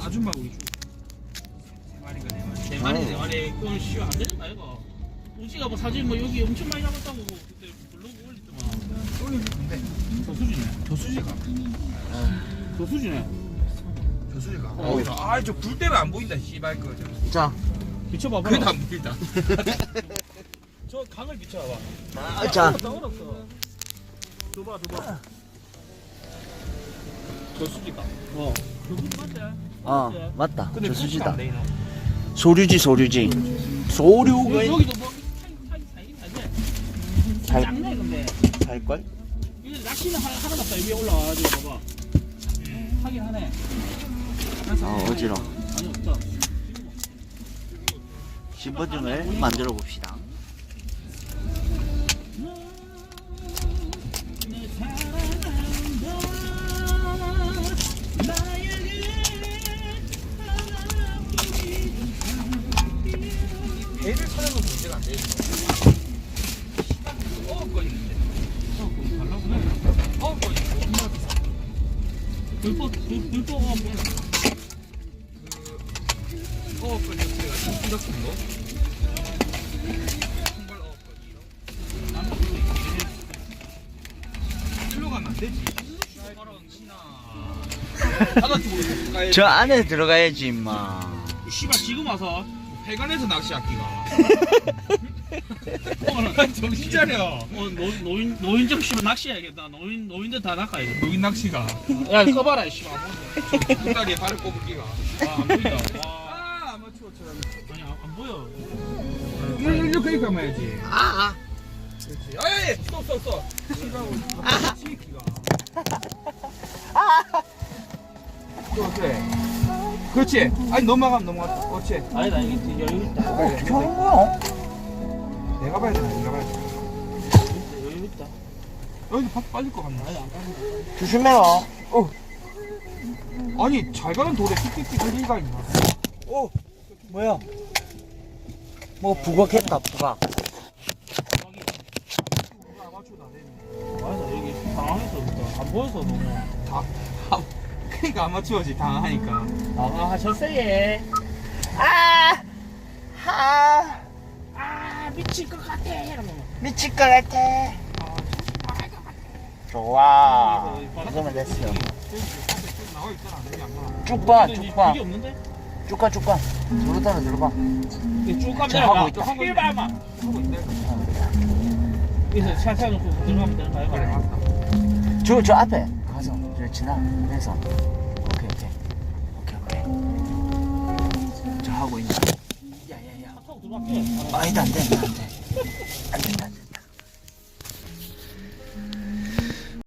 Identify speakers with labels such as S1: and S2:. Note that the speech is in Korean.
S1: 아줌마 우리 주. 세 마리. 그건 쉬워 안 되는 거 아이가. 우지가 뭐 사진 뭐 여기 엄청 많이 잡았다고 그때 블로그 올렸더만.
S2: 올리는데
S1: 저수지네.
S2: 저수지가
S1: 저수지네.
S2: 저수지가. 아저 불 때문에 안 보인다. 씨발 거 저.
S3: 자,
S1: 비춰봐봐.
S2: 그래도 안 보인다.
S1: 저 강을 비춰봐봐.
S3: 자.
S1: 얼었어. 줘봐. 저수지가. 저수지 맞지?
S3: 맞다.
S2: 근데
S3: 저수지다.
S2: 안 되나?
S3: 소류지. 소류가
S1: 여기도 뭐 살긴 하지.
S3: 살-
S1: 작네 근데.
S3: 살걸?
S1: 이거 낚시는 하나 없다. 위에 올라와가지고 봐봐. 하긴 하네.
S3: 어지러.
S1: 아니 없다.
S3: 신분증을 만들어 봅시다.
S2: 배를 찾아도 문제가 안 돼. 어거리는데.
S1: 불포가
S2: 어거리 자체가 충격적인 거. 정말 어거리. 일로 가면 안 되지.
S3: 저 안에 들어가야지 임마.
S1: 씨발 지금 와서
S2: 해관에서 낚시하기가. 정신 차려.
S1: 노인정 씨발 낚시해야겠다. 노인들 다 낚아야겠다.
S2: 노인 낚시가.
S1: 야 꺼봐라 씨발.
S2: 뒷다리에 발을 꼽기가.
S1: 안 보인다. 와.
S2: 아 아마추어처럼.
S1: 아니 안 보여.
S2: 이렇게 감아야지. 그렇지. 아예 스톱. 치기가. 또 그래. 그렇지. 아니 넘어가면 그렇지.
S1: 아니다 이게 여유 있다.
S2: 그래.
S3: 좋은 거야?
S2: 내가 봐야 돼.
S1: 여유 있다.
S2: 여기 빠질 것 같나?
S1: 아니 안 가는
S3: 조심해라.
S2: 아니 잘 가는 돌에 틱틱틱 흘리가 있나?
S3: 뭐야? 뭐 부각했다 부각.
S2: 아마추어도 안 되네.
S1: 아니다 여기 당황해서 그렇다. 안 보여서 너무.
S2: 그러니까 아마추어지 당하니까.
S1: 아 졌어예. 미칠 것 같아. 이러면.
S3: 미칠 것 같아. 좋아. 이거면 됐어.
S2: 나와 있잖아. 여기 안 나와.
S3: 쭉 봐.
S1: 이게 없는데?
S3: 쭉 가. 들어봐.
S1: 이게 쭉 가면
S3: 자, 하고
S1: 되나?
S3: 있다.
S1: 하고 있다.
S2: 하고 있네.
S1: 여기서 차 세워놓고 들어가면 되는 거야?
S2: 그래 맞다.
S3: 저 앞에 가서 저 지나면서 오케이. 저 하고 있나?
S1: 차 타고 들어갈게.
S3: 아니다 안 돼.